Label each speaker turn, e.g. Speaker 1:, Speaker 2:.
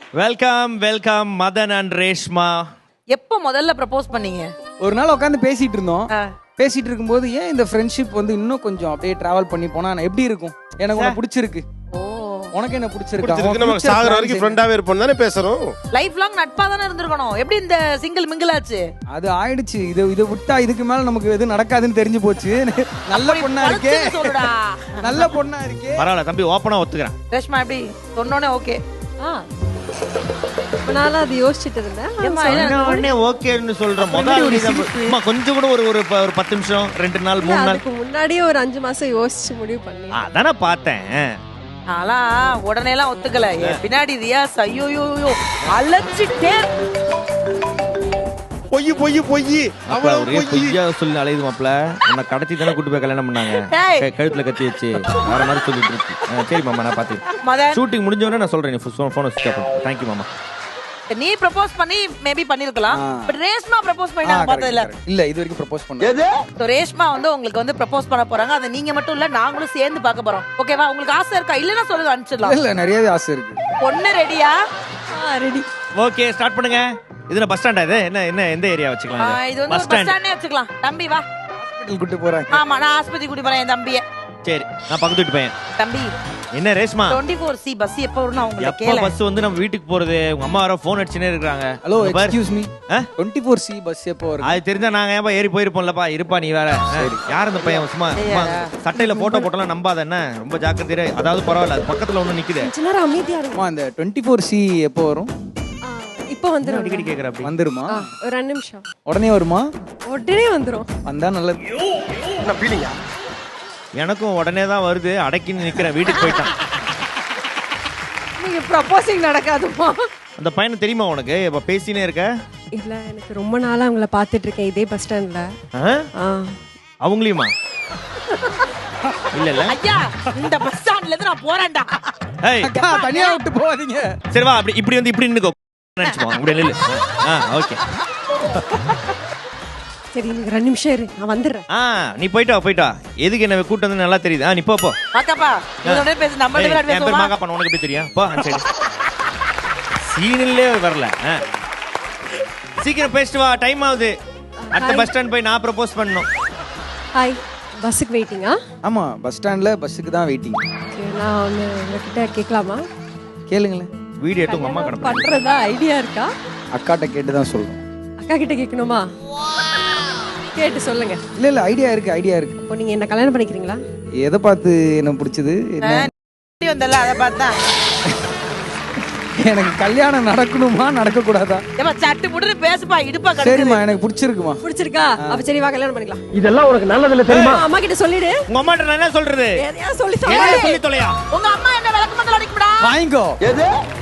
Speaker 1: Welcome welcome Madan and Reshma.
Speaker 2: எப்போ முதல்ல propose பண்ணீங்க?
Speaker 3: ஒரு நாள் உட்காந்து பேசிட்டு இருந்தோம். பேசிட்டு இருக்கும்போது ஏன் இந்த ஃப்ரெண்ட்ஷிப் வந்து இன்னும் கொஞ்சம் அப்படியே டிராவல் பண்ணி போனா எப்படி இருக்கும்? எனக்கு உனக்கு பிடிச்சிருக்கு. உனக்கு என்ன பிடிச்சிருக்கு?
Speaker 4: நம்ம சாகர வரைக்கும் ஃப்ரெண்டாவே இருப்போம் தானே பேசுறோம்.
Speaker 2: லைஃப் லாங் நட்பா தானே இருந்திருக்கணும். எப்படி இந்த சிங்கிள் மிங்கிள் ஆச்சு?
Speaker 3: அது ஆயிடுச்சு. இதை விட்டா இதுக்கு மேல நமக்கு எது நடக்காதுன்னு தெரிஞ்சு போச்சு. நல்ல பொண்ணா இருக்கே, நல்ல பொண்ணா இருக்கே.
Speaker 1: பரவாயில்ல தம்பி, ஓப்பனா ஒத்துக்கிறேன்.
Speaker 2: ரேஷ்மா எப்படி சொன்னோனே ஓகே?
Speaker 5: நானும் அது யோசிச்சுட்டு இருந்தேன்.
Speaker 1: ஓகேன்னு சொல்றேன். கொஞ்சம் கூட ஒரு 10 நிமிஷம் 2 நாள் 3 நாள்
Speaker 5: முன்னாடியே ஒரு 5 மாசம் யோசிச்சு முடிவு பண்ணி
Speaker 1: அதானே பார்த்தேன்.
Speaker 2: ஆனா உடனே எல்லாம் ஒத்துக்கல. பின்னாடி ரியாஸ் ஐயோ அலச்சிட்டே
Speaker 4: பொய் பொய் பொய்
Speaker 1: ஒரே பொய்யா சொல்லி அலையுது மாப்ள. உன்னை கடத்தி தானே கூட்டு போய் கல்யாணம் பண்ணாங்க. கழுத்துல கத்தி வச்சு வேற மாதிரி சொல்லிட்டு இருக்கு. சரி மாமா, நான் பாத்து ஷூட்டிங் முடிஞ்சவொடனே நான் சொல்றேன். போன் ஸ்விட்ச் ஆஃப் பண்ணு. தேங்க்யூ மாமா.
Speaker 2: நீ ப்ரப்போஸ் பண்ணி மேபி பண்ணிருக்கலாம். பட் ரேஷ்மா ப்ரப்போஸ் பண்ணி நான் பார்த்தது
Speaker 3: இல்ல. இது வரைக்கும் ப்ரப்போஸ் பண்ணல.
Speaker 2: சோ ரேஷ்மா வந்து உங்களுக்கு வந்து ப்ரப்போஸ் பண்ண போறாங்க. அத நீங்க மட்டும் இல்ல, நாங்களும் சேர்ந்து பார்க்க போறோம். ஓகேவா? உங்களுக்கு ஆசை இருக்கா? இல்லனா சொல்லுங்க, அனுப்பிச்சிடலாம்.
Speaker 3: இல்ல, நிறையவே ஆசை இருக்கு.
Speaker 2: பொண்ணு ரெடியா?
Speaker 5: ரெடி.
Speaker 1: ஓகே, ஸ்டார்ட் பண்ணுங்க. இதுல பஸ் ஸ்டாண்டா? இது என்ன எந்த ஏரியா வச்சுக்கலாம்?
Speaker 2: இது வந்து பஸ் ஸ்டாண்டே வச்சுக்கலாம். தம்பி வா,
Speaker 3: ஹாஸ்பிடல் கூட்டி போறாங்க.
Speaker 2: ஆமா, நான் ஆஸ்பத்திரி கூட்டி போறேன் என் தம்பியை.
Speaker 1: சரி, நான் பக்கத்து வீட்டு பையன்.
Speaker 2: தம்பி
Speaker 1: என்ன ரேஷ்மா,
Speaker 2: 24C பஸ் எப்போ வரும்னு அவங்கள
Speaker 1: எப்ப
Speaker 2: கேளு.
Speaker 1: பஸ் வந்து நம்ம வீட்டுக்கு போறது? உங்க அம்மா வர போன் அடிச்சுனே இருக்காங்க.
Speaker 3: Hello, excuse me, 24C bus எப்போ வரும்?
Speaker 1: அது தெரிஞ்சா நாங்க ஏன்பா ஏறி போயிருப்போம்லப்பா. இருப்பா நீ வேற. யார் அந்த பையன்? சும்மா சட்டையில போட்டோ போட்டலாம் நம்பாத. என்ன ரொம்ப ஜாக்கிரதையா. அதாவது பரவாயில்ல, அது பக்கத்துல ஒண்ணு நிக்குது.
Speaker 5: எல்லாரும் அமைதியா இருங்க.
Speaker 3: அந்த 24C எப்போ வரும்?
Speaker 5: இப்போ வந்துரும்.
Speaker 1: அடிக்கடி கேக்குற அப்படி
Speaker 3: வந்துருமா?
Speaker 5: ஒரு 2 நிமிஷம்.
Speaker 3: உடனே வருமா?
Speaker 5: உடனே வந்துரும்.
Speaker 3: வந்தா நல்லது.
Speaker 4: என்ன ஃபீலிங்கா?
Speaker 1: எனக்கும் உடனே தான் வருது. அடக்கின்னு நிக்கிறேன். வீட்டுக்கு போயிட்டான்.
Speaker 5: நீங்க ப்ரப்போசிங் நடக்காதுமா?
Speaker 1: அந்த பையனை தெரியுமா உனக்கு? இப்ப பேசினே இருக்க.
Speaker 5: இல்ல, எனக்கு ரொம்ப நாளா அவங்கள பாத்துட்டு இருக்கேன் இதே பஸ் ஸ்டாண்ட்ல.
Speaker 1: அவங்களையுமா? இல்ல இல்ல
Speaker 2: ஐயா, இந்த பஸ் ஸ்டாண்ட்ல இருந்து நான் போறேன்டா.
Speaker 1: ஏய்
Speaker 3: அக்கா, தனியா விட்டு போவாதீங்க.
Speaker 1: சரி வா, இப்படி வந்து நின்னுக்கோ. நினைச்சுக்கோ அப்படியே நில்லு. ஓகே.
Speaker 5: சரி, நீங்க 2 நிமிஷம் இரு, நான் வந்துடுறேன்.
Speaker 1: நீ போயிட்டு வா. எதுக்கு என்ன கூட்டு வந்து நல்லா தெரியுது. நீ போ.
Speaker 2: மாக்காப்பா, நீங்க பேசு. நம்ம ரெண்டு பேரும்
Speaker 1: பேசுவோம்.
Speaker 2: பேசுவோம்.
Speaker 1: மாக்காப்பா, உனக்கு எப்படி தெரியும்? போ. சரி, சீனிலே வரல. சீக்கிரம் பேசிட்டு வா, டைம் ஆகுது. அடுத்த பஸ் ஸ்டாண்ட் போய் நான் ப்ரப்போஸ் பண்ணனும்.
Speaker 5: ஹாய், பஸ்ஸுக்கு வெயிட்டிங்கா?
Speaker 3: ஆமா, பஸ் ஸ்டாண்ட்ல பஸ்ஸுக்கு தான் வெயிட்டிங்.
Speaker 5: நான் ஒன்னு உங்ககிட்ட கேட்கலாமா?
Speaker 3: கேளுங்களேன்.
Speaker 1: வீடியோ எடுத்து உங்க அம்மா கடை
Speaker 5: பண்றதா ஐடியா இருக்கா?
Speaker 3: அக்காட்ட கேட்டு தான் சொல்றேன்.
Speaker 5: அக்கா கிட்ட கேட்கணுமா? கேட்டு சொல்லுங்க.
Speaker 3: இல்ல, ஐடியா இருக்கு.
Speaker 5: இப்போ நீங்க என்ன கல்யாணம் பண்ணிக்கிறீங்களா?
Speaker 3: எதை பார்த்து என்ன பிடிச்சது?
Speaker 2: நீ வந்தல அத பார்த்தா
Speaker 3: எனக்கு கல்யாணம் நடக்கணுமா நடக்க கூடாதா?
Speaker 2: ஏமா சட்டு புடுன்னு பேசுப்பா, இடுப்பா கடுக்கு.
Speaker 3: சரிமா, எனக்கு பிடிச்சிருக்குமா.
Speaker 5: பிடிச்சிருக்கா? அப்ப சரி, வா கல்யாணம் பண்ணிக்கலாம்.
Speaker 4: இதெல்லாம் உனக்கு நல்லதில்ல தெரியுமா?
Speaker 5: அம்மா கிட்ட சொல்லிடு.
Speaker 1: உங்க அம்மா கிட்ட நான் என்ன சொல்றது?
Speaker 5: எதையா சொல்லி
Speaker 1: சொல்லி தொலையா.
Speaker 2: உங்க அம்மா என்ன விளக்கு மத்தல அடிக்கும்டா.
Speaker 3: வாங்கிக்கோ.
Speaker 4: எது?